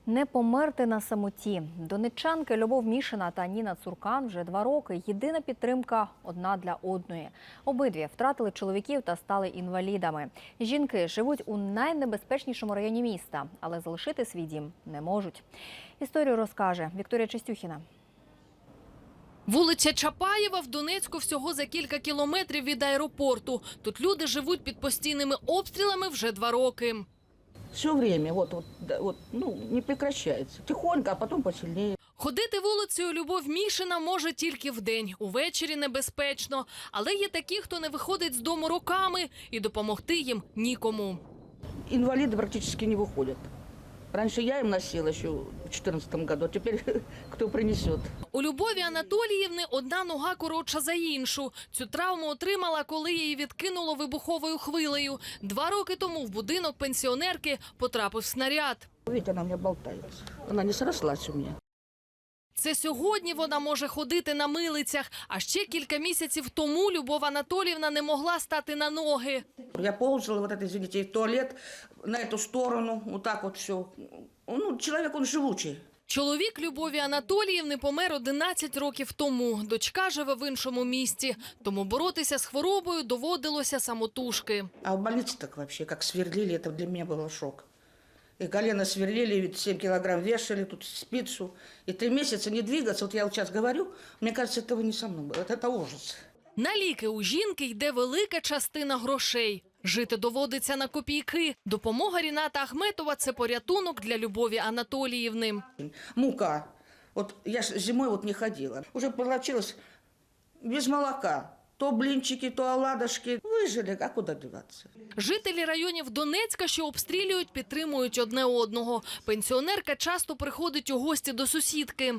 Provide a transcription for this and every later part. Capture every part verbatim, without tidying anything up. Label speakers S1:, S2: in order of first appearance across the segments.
S1: Не померти на самоті. Донеччанки Любов Мішина та Ніна Цуркан вже два роки. Єдина підтримка одна для одної. Обидві втратили чоловіків та стали інвалідами. Жінки живуть у найнебезпечнішому районі міста, але залишити свій дім не можуть. Історію розкаже Вікторія Чистюхіна.
S2: Вулиця Чапаєва в Донецьку всього за кілька кілометрів від аеропорту. Тут люди живуть під постійними обстрілами вже два роки.
S3: Все время, вот, вот, вот, ну, не прекращается. Тихонько, а потом посильнее.
S2: Ходити вулицею Любов Мішина може тільки вдень, увечері небезпечно. Але є такі, хто не виходить з дому роками, і допомогти їм нікому.
S3: Инвалиды практически не выходят. Раньше я им носила еще в две тысячи четырнадцатом году, а теперь кто принесет.
S2: У Любові Анатоліївни одна нога коротша за іншу. Цю травму отримала, коли її відкинуло вибуховою хвилею. Два роки тому в будинок пенсіонерки потрапив снаряд.
S3: Видите, она у меня болтается. Она не срослась у меня.
S2: Це сьогодні вона може ходити на милицях, а ще кілька місяців тому Любов Анатоліївна не могла стати на ноги.
S3: Я ползала, вот это, извините, в туалет, на эту сторону, вот так вот все. Ну, человек, он живучий.
S2: Чоловік Любові Анатоліївни помер одинадцять років тому. Дочка живе в іншому місті, тому боротися з хворобою доводилося самотужки.
S3: А в больнице так вообще, как сверлили, это для меня был шок. И колено сверлили, семь килограмм вешали, тут спицу. И три месяца не двигаться. Вот я вот сейчас говорю, мне кажется, этого не со мной было. Это, это ужас.
S2: На ліки у жінки йде велика частина грошей. Жити доводиться на копійки. Допомога Ріната Ахметова – це порятунок для Любові Анатоліївни.
S3: Мука. Вот я ж зимой вот не ходила. Уже получилось без молока. То блинчики, то оладушки. Выжили, а куда деваться?
S2: Жителі районів Донецька, що обстрілюють, підтримують одне одного. Пенсіонерка часто приходить у гості до сусідки.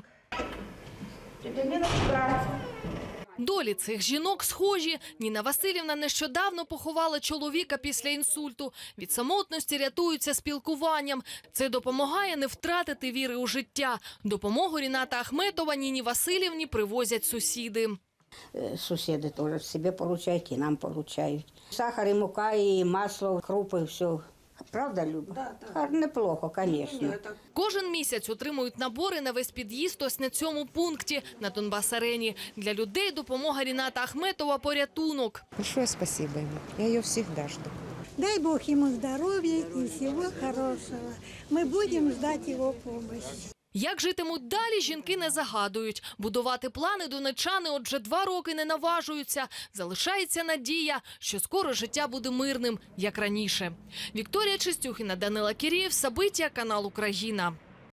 S2: Долі цих жінок схожі. Ніна Василівна нещодавно поховала чоловіка після інсульту. Від самотності рятуються спілкуванням. Це допомагає не втратити віри у життя. Допомогу Ріната Ахметова Ніні Василівні привозять сусіди.
S4: Сусіди теж себе поручають і нам поручають. Сахар, і мука, і масло, крупи, все. Правда, Люба?
S3: Да, да.
S4: Неплохо, звісно.
S2: Кожен місяць отримують набори на весь під'їзд ось на цьому пункті, на Донбас-арені. Для людей допомога Ріната Ахметова – порятунок.
S5: Большое спасибо ему. Я ее всегда жду.
S6: Дай Бог ему здоровья и всего хорошего. Мы будем ждать его помощи.
S2: Як житимуть далі, жінки не загадують. Будувати плани донеччани отже два роки не наважуються. Залишається надія, що скоро життя буде мирним, як раніше. Вікторія Чистюхіна, Данила Кірєєв, Сабиття, канал Україна.